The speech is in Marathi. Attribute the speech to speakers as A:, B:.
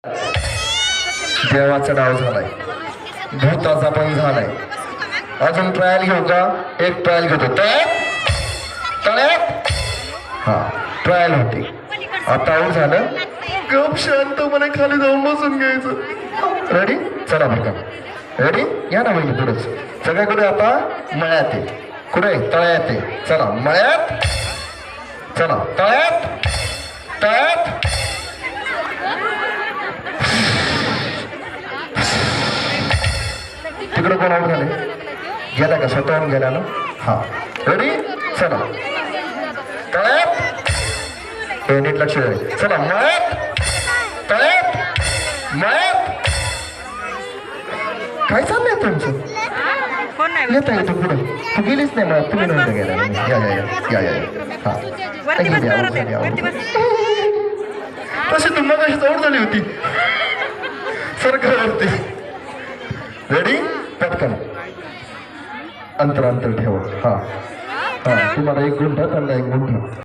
A: देवाचा डाव झालाय, भूताचा पण झालाय. अजून ट्रायल घेऊ का? एक ट्रायल घेतो. तळ्यात हा ट्रायल होती. आता आऊट झालं. गप शांतपणे खाली जाऊन बसून घ्यायचं. रेडी? चला बरं का. रेडी? या ना म्हणजे पुढेच सगळ्याकडे. आता मळ्यात आहे. कुठे? तळ्यात आहे. चला मळ्यात. चला तळ्यात. तळ्यात. तिकडे कोण आऊट झाले? गेला का? स्वतःहून गेला ना? हा रेडी? चला तळ्यात. हे नीट लक्ष द्या. चला मळ्यात. तळ्यात. मळ्यात. काय चाललंय तुमचं? येता येतो पुढे. तू गेलीच नाही मळ्यात. तुम्ही नव्हतं गेला. या या या या या हा तशी तुम्हाला कशी चौड झाली होती सरकारवरती. रेडी? पटकन अंतर अंतर ठेवा. हा हा तुम्हाला एक गुंठा, त्यांना एक गुंठा.